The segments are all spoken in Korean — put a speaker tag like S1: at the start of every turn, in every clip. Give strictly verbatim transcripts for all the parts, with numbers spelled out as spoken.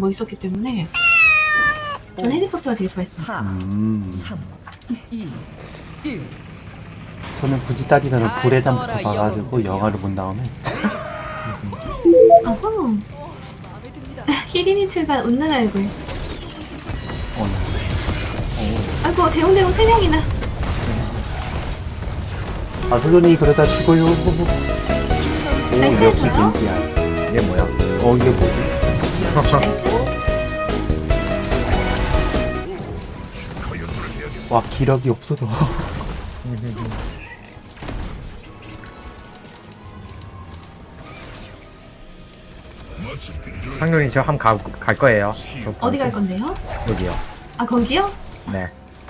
S1: 있었기 때문에 전 헤리포터가 되게 좋아했어요.
S2: 사,
S3: 음.
S2: 삼, 이, 일.
S3: 저는 굳이 따지면
S2: 잘
S3: 불의
S2: 써라,
S3: 담부터 봐가지고
S2: 영웅들이여.
S3: 영화를 본 다음에
S1: 어허.
S2: 마음에 듭니다.
S1: 히리니 출발 웃는 얼굴.
S3: 어,
S1: 아이고 대웅대웅 세 명이나.
S3: 아 물론이 그러다 죽어요. 오
S1: 잘
S3: 역시
S1: 써줘요?
S3: 겐지야.
S4: 이게 뭐야?
S3: 어 이게 뭐지? 와 기력이 없어서
S4: 상룡이 저 한번 가, 갈 거예요. 저
S1: 어디 갈 건데요?
S4: 여기요.
S1: 아 거기요?
S4: 네.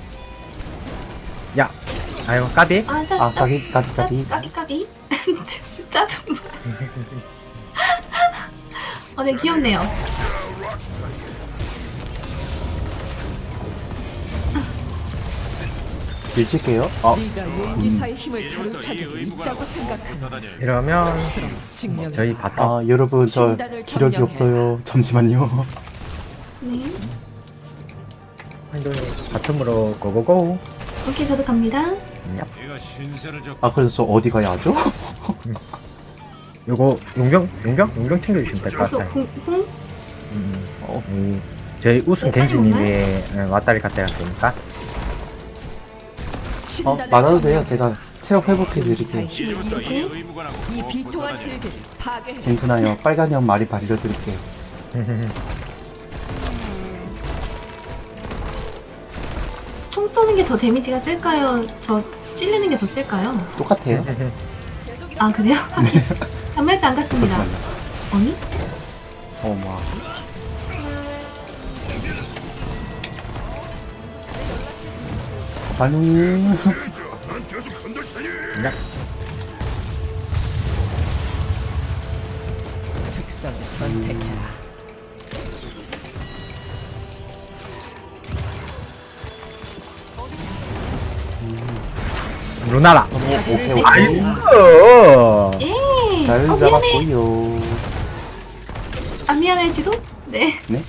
S4: 야, 아이고 까비.
S1: 아 짜,
S3: 아
S1: 짜,
S3: 까비 까비
S1: 짜,
S3: 까비
S1: 까비 까비. 짜증. 어, 네 귀엽네요.
S3: 일찍게요. 어
S2: 네가 용기사의 힘을 가로차기고 있다고 생각한다.
S4: 이러면
S2: 증명.
S4: 저희 바텀.
S3: 아 여러분 저
S2: 신단을
S3: 기력이
S2: 점령해.
S3: 없어요. 잠시만요.
S1: 네.
S4: 상룡이 바텀으로 고고고.
S1: 오케이 저도 갑니다.
S4: 얍.
S3: 아 그래서 저 어디 가야 하죠?
S4: 요거 용병 용병 용병 챙겨주시면 될 것
S1: 그래서
S4: 같아요.
S1: 홍, 홍?
S4: 음, 어, 음, 저희 우승
S1: 네,
S4: 겐지님이
S1: 빨리
S4: 예, 왔다리 갔다리 하니까
S3: 어
S2: 신단을
S3: 말아도 돼요.
S2: 점령해.
S3: 제가 체력 회복해 드릴게요.
S2: 용기사의 힘을
S1: 오케이.
S2: 이 비통한 세계를 파괴해.
S3: 괜찮아요. 빨간 형 말이 발려 드릴게요.
S1: 총 쏘는 게 더 데미지가 셀까요? 저 찔리는 게 더 셀까요?
S3: 똑같아요.
S1: 아 그래요? 단말지 안 갔습니다.
S3: 잠시만요.
S1: 아니?
S3: 어머. 반응이
S4: 야,
S2: 특성을 선택해라.
S4: 루나라.
S3: 오케이
S1: 네.
S3: 오케이.
S4: 어.
S1: 예!
S3: 잘
S1: 어 미안해!
S3: 잡았고요.
S1: 안 미안할지도? 네.
S3: 네?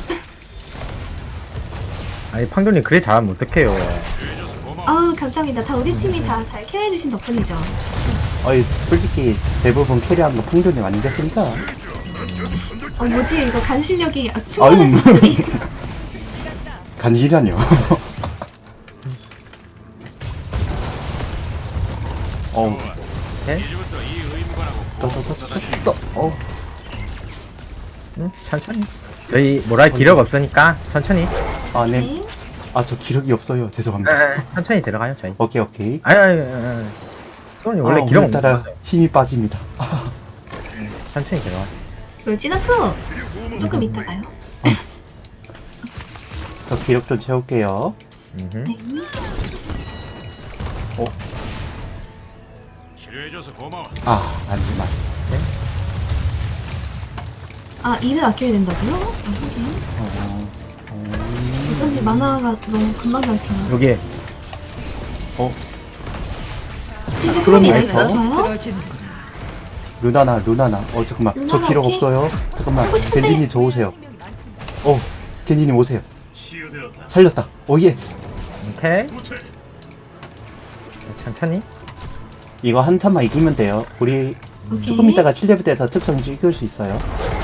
S4: 아니 팡조님 그래 잘하면 어떡해요.
S1: 아우 감사합니다. 다 우리 팀이 다 잘 케어해주신 덕분이죠.
S3: 아니 솔직히 대부분 캐리하는 거 풍조님 아니겠습니까?
S1: 어 뭐지 이거 간 실력이 아주
S3: 아유
S1: 충분하신 분이.
S3: 간지라뇨. 어우
S4: 네?
S3: 떠떠떠떠떠 어우
S4: 응, 천천히. 저희 뭐라 할 기력 없으니까 천천히.
S3: 아네
S1: 네.
S3: 아 저 기력이 없어요. 죄송합니다.
S4: 에, 천천히 들어가요 저희.
S3: 오케이 오케이.
S4: 아니 아니 아니. 소원이 원래
S3: 아,
S4: 기력 없는
S3: 오늘따라
S4: 거예요.
S3: 힘이 빠집니다.
S4: 천천히 들어가.
S1: 멸진아프 조금 이따가요.
S3: 저 기력 좀 채울게요.
S4: 음흠.
S1: 네.
S5: 치료해줘서 고마워.
S3: 아 안지마.
S1: 아 일을 아껴야 된다고요? 아, 하긴.
S3: 어, 어,
S1: 어쩐지 만화가 너무 금방 갈게요.
S4: 여기
S3: 어
S1: 진짜
S3: 그럼
S1: 크롬이
S3: 알죠?
S1: 있어요?
S2: 쓰러지는구나.
S3: 루나나 루나나 어 잠깐만 저
S1: 루나나
S3: 기력
S1: 오케이.
S3: 없어요. 잠깐만
S1: 하고 싶은데.
S3: 겐지님 저 오세요. 어 겐지님 오세요.
S5: 치유되었다.
S3: 살렸다. 오 예스.
S4: 오케이. 천천히.
S3: 이거 한 탄만 이기면 돼요. 우리
S1: 오케이.
S3: 조금 있다가 칠 레벨 돼서 특성 찍을 수 있어요.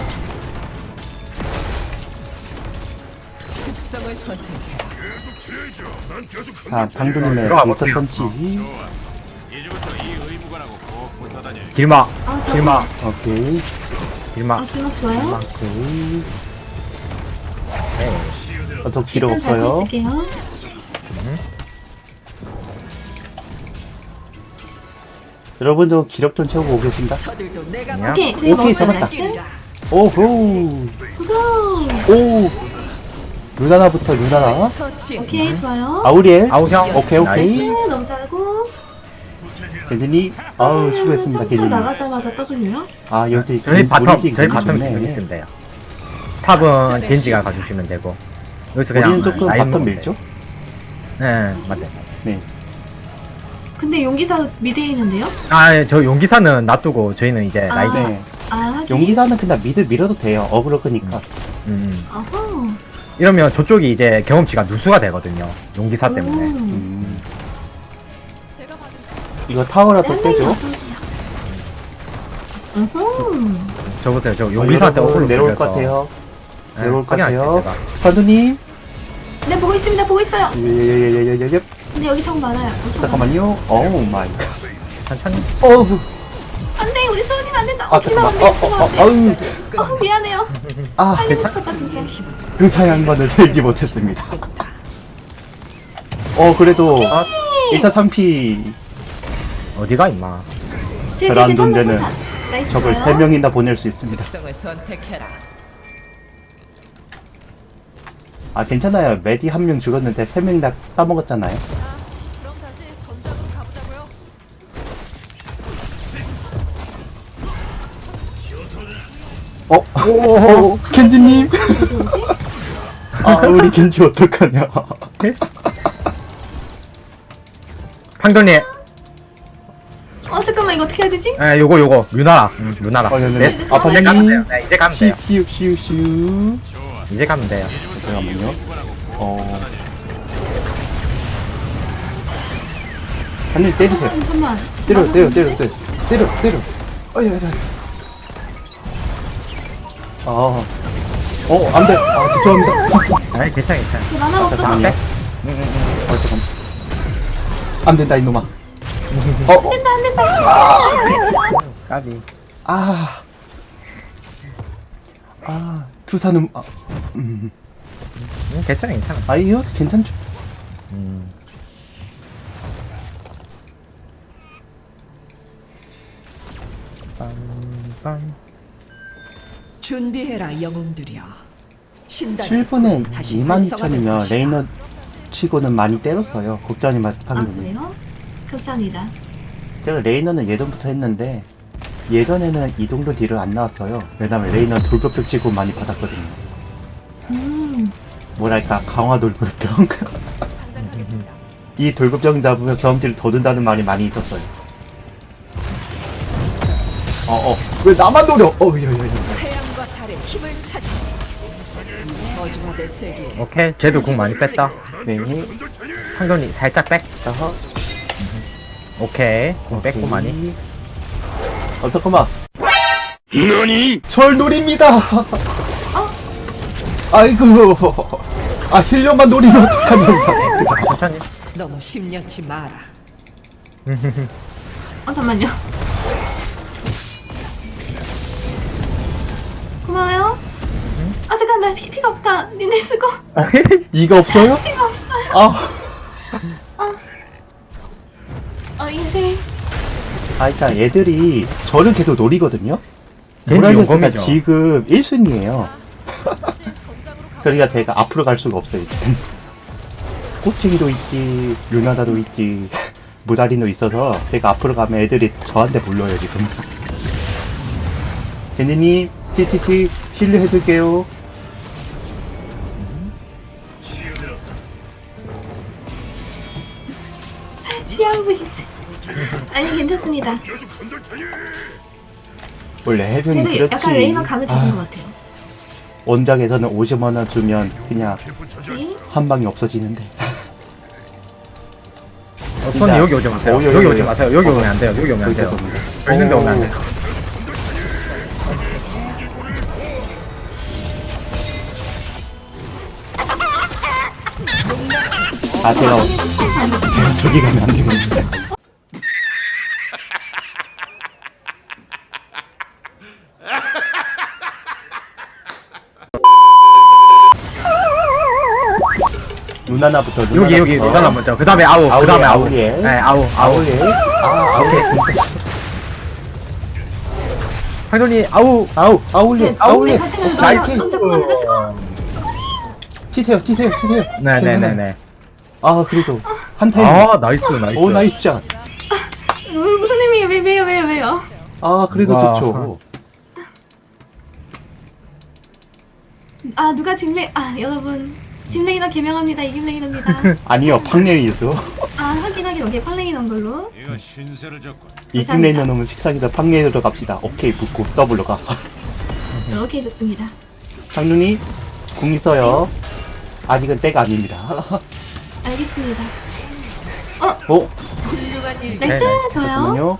S2: 특성을 선택해.
S3: 자 방금님의
S4: 들어가
S3: 일단
S4: 볼게요.
S3: 던치.
S5: 이제부터 이 의무관하고 꼭 붙어 다녀.
S4: 길마.
S1: 아, 저,
S4: 길마.
S3: 오케이
S4: 길마.
S1: 아, 기막 좋아요?
S3: 오케이.
S4: 네.
S3: 어, 저 기력
S1: 일단 잘
S3: 없어요.
S1: 있을게요.
S3: 여러분도 기력 좀 채우고 오겠습니다.
S2: 저들도 내가
S4: 그냥?
S1: 오케이, 저희
S3: 오케이,
S1: 먹었어요.
S3: 잡았다.
S1: 나이스.
S3: 오호.
S1: 고고!
S3: 오. 루나나부터 루나나.
S2: 처치.
S1: 오케이, 좋아요.
S3: 아우리엘.
S4: 아우형.
S3: 오케이 오케이.
S1: 네, 너무 잘하고.
S3: 겐지님. 아우 수고했습니다
S1: 또
S3: 겐지님.
S1: 나가자마자 W요?
S3: 아 열두
S4: 저희 바텀
S3: 우리
S4: 저희 바텀
S3: 좋네.
S4: 지켜주시면 돼요. 탑은 겐지가 가주시면 되고 여기서 그냥
S3: 우리는 조금
S4: 라인
S3: 바텀
S4: 먹으면
S3: 밀죠?
S4: 돼요. 네 맞아요.
S3: 네.
S1: 근데 용기사 미드에 있는데요?
S4: 아저 용기사는 놔두고 저희는 이제
S1: 아.
S4: 라인.
S3: 네.
S1: 아, 하긴.
S3: 용기사는 그냥 미드 밀어도 돼요. 어그로 끄니까.
S4: 음.
S1: 어허.
S4: 이러면 저쪽이 이제 경험치가 누수가 되거든요. 용기사 때문에.
S1: 오.
S3: 음. 이거 타워라도
S1: 네, 한 명이
S3: 빼줘.
S1: 어서오세요. 음흠.
S4: 저 보세요. 저
S3: 어,
S4: 용기사한테
S3: 여러분,
S4: 어그로
S3: 내려올 것
S4: 끌려서.
S3: 같아요.
S4: 네,
S3: 내려올 것
S4: 확인할게요,
S3: 같아요.
S4: 제가.
S3: 파두님.
S1: 네, 보고 있습니다. 보고 있어요.
S3: 예예예예예예.
S1: 근데 여기 정 많아요. 엄청 많아요.
S3: 잠깐만요. 어우 마이 갓.
S4: 천천히.
S3: 어우.
S1: 안 돼, 우리 소은이는 안 된다.
S3: 아
S1: 어, 기만
S3: 잠깐만.
S1: 안 돼,
S3: 어, 어,
S1: 기만
S3: 어,
S1: 안 돼.
S3: 아우.
S1: 어, 미안해요.
S3: 아,
S1: 빨리 싶었다, 진짜.
S3: 의사 양반을 살지 못했습니다. 어, 그래도
S4: 아,
S3: 일타 삼 피
S4: 어디가 임마.
S1: 제,
S3: 별안
S1: 제, 제,
S3: 돈
S1: 천국
S3: 데는
S1: 다- 나이스
S3: 적을
S1: 좋아요.
S3: 세 명이나 보낼 수 있습니다.
S2: 특성을 선택해라.
S3: 아, 괜찮아요. 메디 한 명 죽었는데 세 명 다 따먹었잖아요.
S2: 그럼 다시 전장으로 가보자고요.
S3: 어? 오, 켄지님.
S1: 뭐지, 뭐지?
S3: 아, 우리 켄지 어떡하냐.
S4: 황돈님.
S1: 어, 잠깐만, 이거 어떻게 해야 되지?
S4: 에 요거 요거 루나라. 음, 루나라.
S3: 어, 네, 네.
S4: 네?
S1: 이제
S3: 아,
S4: 이제 가면 돼요.
S3: 파님.
S4: 네, 이제 가면
S3: 시,
S4: 돼요.
S3: 시우, 시우, 시우.
S4: 이제 가면 돼요.
S3: 잠깐만요. 어. 한일 때리세요.
S1: 잠깐만.
S3: 때려, 때려, 때려, 때려. 때려, 때려. 어이, 어이, 어이. 아. 어, 안 돼. 아, 죄송합니다.
S4: 아니 괜찮아 괜찮아.
S1: 저 만화가 없어서.
S3: 잠깐만요. 어, 잠깐만. 안 된다, 이놈아. 어, 어.
S1: 안 된다, 안 된다.
S4: 까비.
S3: 아. 아, 투사는, 아, 음.
S4: 음, 괜찮아 괜찮아.
S3: 아이요, 괜찮죠?
S4: 음. 빰빰.
S2: 준비해라 영웅들이여. 신단
S3: 칠 분에
S2: 다시
S3: 이만
S2: 활성화될
S3: 이천이면
S2: 것이다.
S3: 레이너 치고는 많이 때렸어요. 국장님
S1: 아,
S3: 판단이.
S1: 그래요? 감사합니다.
S3: 제가 레이너는 예전부터 했는데 예전에는 이 정도 딜을 안 나왔어요. 왜냐면 레이너 돌격병 치고 많이 받았거든요.
S1: 음,
S3: 뭐랄까 강화 돌격병. 이 돌격병 잡으면 경험치를 더 든다는 말이 많이 있었어요. 어어 왜 나만 노려? 어여여여.
S2: 태양과 달의 힘을 찾아. 저주받을 세계.
S4: 오케이. 쟤도 궁 많이 뺐다.
S3: 네.
S4: 황돈이 살짝 백.
S3: 자하.
S4: 오케이. 궁 뺐고 많이.
S3: 어 잠깐만. 너니? 절 노립니다. 아이고. 아 힐러만 노리면 어떡하냐.
S4: 천천히.
S2: 너무 심려치 마라.
S1: 어, 잠만요. 고마워요. 아, 잠깐, 나 피, 피가 없다. 니네 쓰고.
S3: 이가 없어요?
S1: 피가 없어요.
S3: 아.
S1: 어, 인생.
S3: 아, 일단 얘들이 저를 계속 노리거든요?
S4: 겐지
S3: 모랄레스가
S4: 용검이죠.
S3: 지금 일 순위에요. 그러니까 제가 앞으로 갈 수가 없어요, 이제. 꼬챙이도 있지, 루나다도 있지, 무다리도 있어서 제가 앞으로 가면 애들이 저한테 몰려요, 지금. 겐지님, 티티티, 실례해줄게요.
S1: 시한부 인생. 아니, 괜찮습니다.
S3: 원래 해변이
S1: 그래도
S3: 그렇지.
S1: 약간 레이너 감을 잡은
S3: 아,
S1: 것 같아요.
S3: 원작에서는 오십만 원 주면 그냥
S1: 네?
S3: 한 방에 없어지는데.
S4: 어, 손이 여기 오지 마세요.
S3: 어, 여기,
S4: 여기
S3: 여기,
S4: 오지
S3: 여기.
S4: 마세요. 여기 오면 안 돼요. 여기 오면 안 돼요.
S3: 여기다
S4: 저 있는데 오면 안 돼요.
S3: 아, 제가, 제가 저기 가면 안 되는데. 누나나부터 누나나부터.
S4: 여기 여기 누나나 먼저. 그 다음에 아우. 그 다음에 아우.
S3: 아우예.
S4: 네 아우 아우.
S3: 아우예. 아, 아우예.
S4: 황돈이 아우.
S3: 아우, 아울리,
S1: 네,
S3: 아울리.
S1: 우리 같은 거
S3: 나이키.
S1: 넌 자꾸 만든다, 쓰고.
S3: 치세요, 치세요, 치세요.
S4: 네네네네.
S3: 아, 그래도 한 타임.
S4: 아 나이스 나이스.
S3: 오, 나이스 샷.
S1: 음, 무슨 의미예요? 왜, 왜요, 왜요, 왜요?
S3: 아, 그래도
S4: 와.
S3: 좋죠.
S1: 아, 누가 집레, 아, 여러분. 집레이너 개명합니다. 이김레이너입니다.
S3: 아니요, 팡레이죠.
S1: 아, 하긴 하긴, 오케이. 팔레이 넣은 걸로.
S5: 이거 신세를 졌군.
S3: 이김레이너 놈은 식상이다 팡레이로 갑시다. 오케이, 붙고 더블로 가.
S1: 오케이, 좋습니다.
S3: 장눈이 궁 있어요. 아직은 때가 아닙니다.
S1: 알겠습니다.
S3: 어?
S2: 훌륭한 일.
S1: 나이스,
S4: 네,
S1: 좋아요.
S3: 잠깐만요.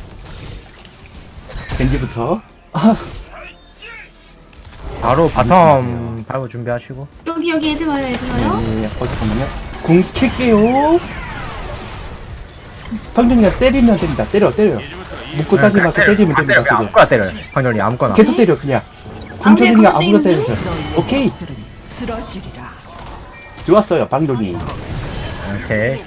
S3: 겐지부터.
S4: 바로 바텀 밟고 준비하시고.
S1: 여기, 여기 애들 와요, 애들 와요.
S3: 네, 어, 잠깐만요. 궁 킬게요. 방준이가 때리면 됩니다. 때려, 때려. 묶고 따지 마서 때리면
S4: 때려,
S3: 됩니다.
S4: 그냥
S3: 때려.
S4: 아무거나 때려요. 황렬이 아무거나.
S3: 계속 때려, 그냥. 궁
S1: 아, 그냥
S3: 터지니까
S1: 그거
S3: 아무로
S1: 때리면
S3: 때려주세요. 오케이.
S2: 쓰러지리라.
S3: 좋았어요, 방돈이.
S4: 오케이.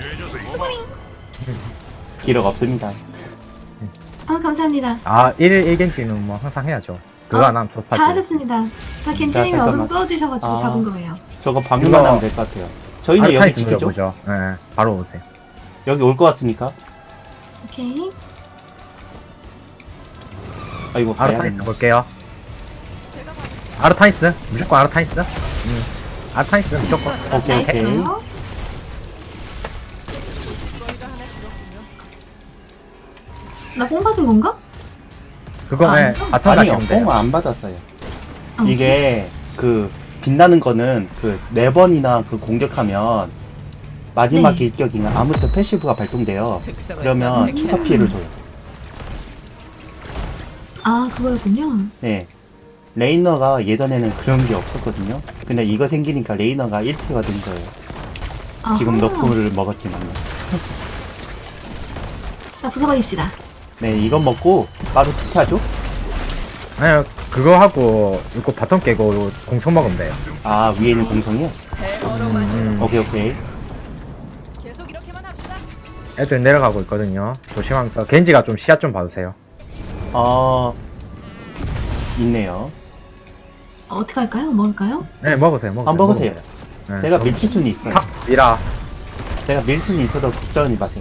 S3: 기록 없습니다.
S1: 아, 감사합니다.
S4: 아, 일 일 겐지는 뭐 항상 해야죠. 그거
S1: 어,
S4: 안 하면 좋다지.
S1: 잘하셨습니다. 다 괜찮으면
S3: 자,
S1: 얼음
S3: 잠깐만.
S1: 꺼주셔가지고
S3: 아.
S1: 잡은 거예요.
S3: 저거 방금만
S4: 이거-
S3: 하면 될 것 같아요. 저희는 여기 지키죠?
S4: 보죠. 예, 예, 바로 오세요.
S3: 여기 올 것 같으니까.
S1: 오케이.
S3: 아이고,
S4: 아르타니스
S3: 가야겠네.
S4: 볼게요. 아르타니스 무조건 아르타니스. 음. 아르타니스 무조건.
S3: 오케이,
S1: 나이스,
S3: 오케이.
S1: 좋아요. 나 뽕 받은 건가?
S4: 그거
S1: 아,
S4: 예,
S1: 아니죠?
S4: 바텀
S3: 아니요,
S4: 가시면 돼요.
S3: 뽕 안 받았어요.
S1: 아,
S3: 이게 그 빛나는 거는 그 네 번이나 그 공격하면 마지막
S1: 네.
S3: 일격이나 아무튼 패시브가 발동돼요.
S2: 특성을
S3: 그러면
S2: 선택해.
S3: 추가 피해를 줘요.
S1: 아, 그거였군요.
S3: 네. 레이너가 예전에는 그런 게 없었거든요. 근데 이거 생기니까 레이너가 일 피가 된 거예요.
S1: 아하.
S3: 지금 너프를 먹었지만요.
S1: 자, 부숴버립시다.
S3: 네, 이건 먹고 바로 투표하죠?
S4: 아니요, 그거 하고 이거 바텀 깨고 공성 먹으면 돼요.
S3: 아, 위에 있는 공성이요?
S4: 음,
S3: 오케이, 오케이.
S2: 계속 이렇게만 합시다.
S4: 애들 내려가고 있거든요. 조심하면서 겐지가 좀 시야 좀 봐주세요.
S3: 어, 있네요.
S1: 어, 어떻게 할까요? 먹을까요?
S4: 네, 먹으세요, 먹으세요.
S3: 안 먹으세요.
S4: 네,
S3: 제가
S4: 좀-
S3: 밀칠 수는 있어요.
S4: 탁 미라.
S3: 제가 밀 수는 있어도 걱정하지 마세요.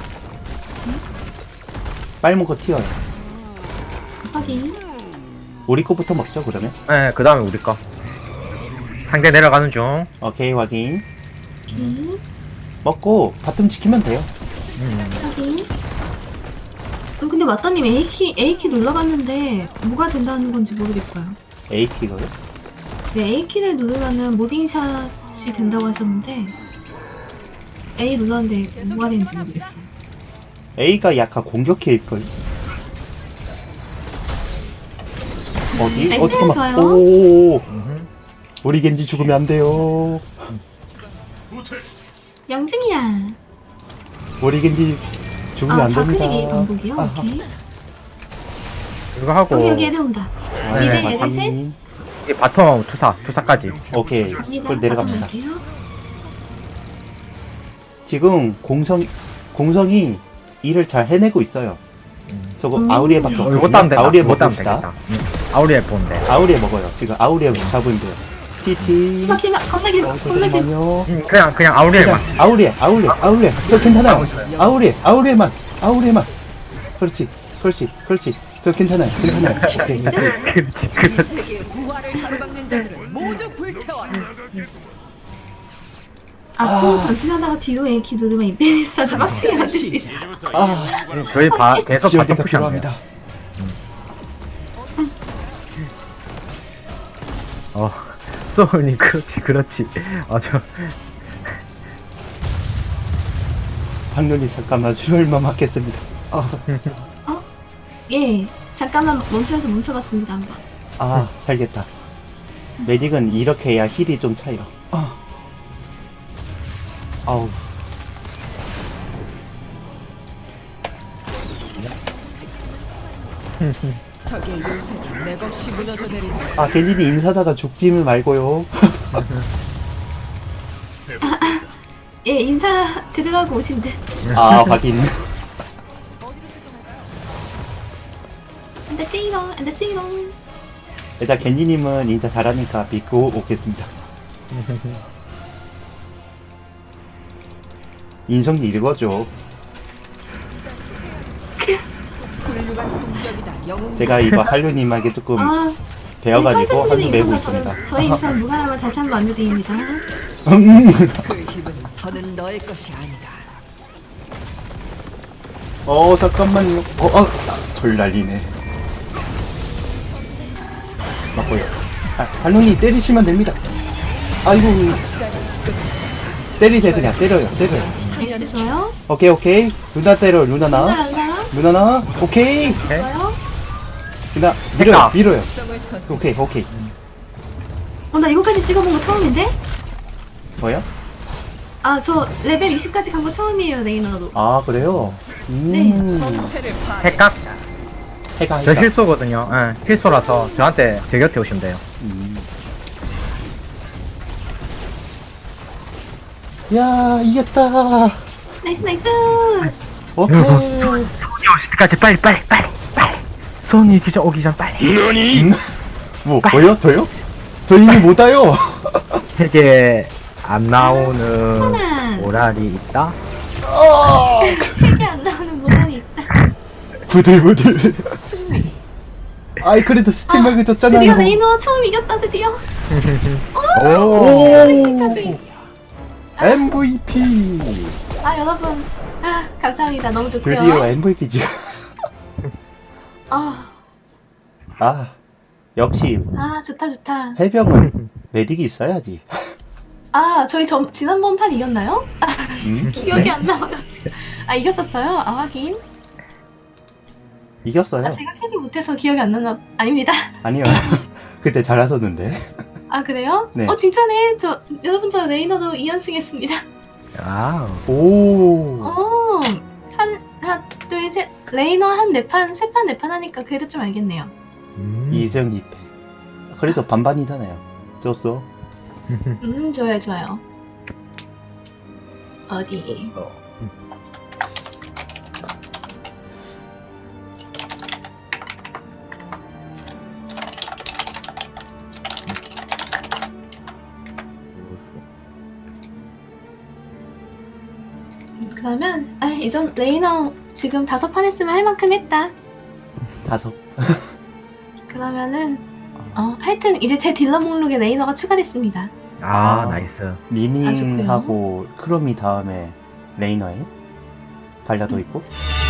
S3: 빨리 먹고 튀어요.
S1: 확인.
S3: 우리 거부터 먹죠, 그러면?
S4: 네, 그 다음에 우리 거. 상대 내려가는 중.
S3: 오케이, 확인.
S1: 오케이.
S3: 먹고 바텀 지키면 돼요.
S4: 음,
S1: 확인. 음, 근데 맞다님 A키, A키 눌러봤는데 뭐가 된다는 건지 모르겠어요.
S3: A키가요?
S1: 네, A키를 누르면은 무빙샷이 된다고 하셨는데 A 눌렀는데 뭐가 되는지 모르겠어요.
S3: A가 약간 공격해일걸. 어디?
S1: 나이스,
S3: 어, 잠깐만.
S1: 좋아요.
S3: 오,
S4: 음흠.
S3: 우리 겐지 죽으면 안 돼요.
S1: 영증이야.
S3: 우리 겐지 죽으면
S1: 아,
S3: 안 됩니다.
S1: 좌클릭이 반복이요?
S3: 아하.
S1: 오케이.
S4: 그거 하고
S1: 여기, 여기 애들 온다.
S3: 네,
S1: 미드
S3: 확인.
S1: 얘들 셋.
S4: 이 바텀 투사, 투사까지.
S3: 오케이.
S1: 갑니다.
S3: 그걸 내려갑니다.
S1: 갈게요.
S3: 지금 공성, 공성이 일을 잘 해내고 있어요. 저거
S1: 음.
S3: 아우리에밖에
S4: 어, 이거
S3: 없거든요.
S4: 따면 되다.
S3: 아우리에
S4: 이거 따면
S3: 먹읍시다.
S4: 되겠다. 음, 아우리에 보면 돼.
S3: 아우리에 먹어요. 지금 아우리에 잡으면 돼요. 티티.
S1: 막 키면 겁나 길어.
S3: 어,
S1: 겁나 길어.
S3: 잠깐만요.
S4: 음, 그냥, 그냥 아우리에만.
S3: 그냥 아우리에, 아우리에, 아우리에. 저 괜찮아요. 아우리에, 아우리에만, 아우리에만. 그렇지, 그렇지, 그렇지. 저 괜찮아요, 괜찮아요. 오케이.
S4: 그렇지,
S2: 이
S4: 그렇지.
S2: 세계의 부활을 가로막는 자들을 모두 불태워라.
S1: 앞으로 전진하다가 뒤로 A키 누르면 인페니스한테 빡치게 만들 수 있어.
S5: 이제부터 이
S3: 아.
S5: 의무가
S4: 저희 바, 계속 바텀
S3: 지원대가
S4: 푸시하면 돼요.
S3: 필요합니다.
S4: 어, 소울님, 그렇지, 그렇지. 아, 저,
S3: 박년이 잠깐만 수혈만 맞겠습니다. 아,
S1: 예, 잠깐만 멈춰서 멈춰봤습니다 한번.
S3: 아, 살겠다. 메딕은 이렇게 해야 힐이 좀 차요. 아. 아우.
S2: 적의 요새지 맥없이 무너져 내린다.
S3: 아, 겐진이 인사다가 죽지는 말고요.
S1: 예, 인사 제대로 하고 오신 듯.
S3: 아, 확인.
S1: 안돼 찌롱, 안돼 찌롱.
S3: 일단 겐지님은 인사 잘하니까 믿고 오겠습니다. 인성이 읽어줘.
S2: 훌륭한 공격이다. 영웅.
S3: 제가 이거 할루님에게 조금
S1: 아,
S3: 배워가지고 한숨
S1: 팔
S3: 매고
S1: 인사
S3: 있습니다.
S1: 저희 인사 무관하면 다시 한번 안내드립니다.
S2: 그 힘은 더는 너의 것이 아니다.
S3: 어, 잠깐만요. 어, 어, 돌 날리네. 맞고요. 아, 발롱이 때리시면 됩니다. 아이고, 때리세요, 그냥. 때려요, 때려요.
S1: 에이스 좋아요.
S3: 오케이, 오케이. 누나 때려, 누나 나.
S1: 누나 연사.
S3: 누나 나. 오케이.
S1: 좋아요.
S3: 누나, 밀어요,
S4: 됐다.
S3: 밀어요.
S2: 성을 선
S3: 오케이, 오케이.
S1: 어, 나 이거까지 찍어본 거 처음인데?
S3: 뭐요?
S1: 아, 저 레벨 이십까지 간 거 처음이에요, 레이너도.
S3: 아, 그래요? 음.
S1: 네.
S2: 전체를 파괴.
S4: 핵각?
S3: 해가,
S4: 저
S3: 해가.
S4: 실소거든요. 예, 실소라서 저한테 제 곁에 오시면 돼요.
S3: 음. 야, 이겼다.
S1: 나이스, 나이스.
S3: 오케이.
S4: 손이 오실 때까지 빨리 빨리 빨리 빨리. 손이 오기 전 오기 전 빨리.
S3: 음? 뭐, 뭐요? 저요? 저 이미 못 와요.
S4: 세계 안 나오는
S1: 하나.
S4: 오랄이 있다.
S1: 색이 안 나오는 모란이 있다.
S3: 부들부들.
S2: 승리.
S3: 아이, 그래도 스팀맥을
S1: 드디어
S3: 줬잖아요.
S1: 레이너 처음 이겼다, 드디어.
S4: 오.
S1: 여기까지.
S3: 엠브이피.
S1: 아, 여러분. 아, 감사합니다. 너무 좋고요.
S3: 드디어 엠브이피죠.
S1: 아,
S3: 아, 역시
S1: 아, 좋다, 좋다.
S3: 해병은 메딕이 있어야지.
S1: 아, 저희 전, 지난번 판 이겼나요? 아,
S3: 음?
S1: 기억이 안 나와가지고. 아, 이겼었어요? 아, 하긴.
S3: 이겼어요.
S1: 아, 제가 캐리 못해서 기억이 안 나나, 아닙니다.
S3: 아니요. 그때 잘하셨는데.
S1: 아, 그래요?
S3: 네.
S1: 어, 진짜네. 저, 여러분, 저 레이너도 이 연승 했습니다.
S4: 아.
S3: 오.
S1: 어, 한, 하나, 둘, 셋. 레이너 한 네 판, 세 판, 네 판 하니까 그래도 좀 알겠네요.
S4: 음.
S3: 이승 이 패. 그래도 반반이잖아요. 졌어.
S1: 음, 좋아요, 좋아요. 어디?
S4: 어.
S1: 그러면, 아, 이전 레이너 지금 다섯 판 했으면 할 만큼 했다.
S3: 다섯.
S1: 그러면은, 어, 하여튼 이제 제 딜러 목록에 레이너가 추가됐습니다.
S4: 아,
S3: 아.
S4: 나이스.
S3: 미밍하고 크롬이 다음에 레이너에 발라도 있고.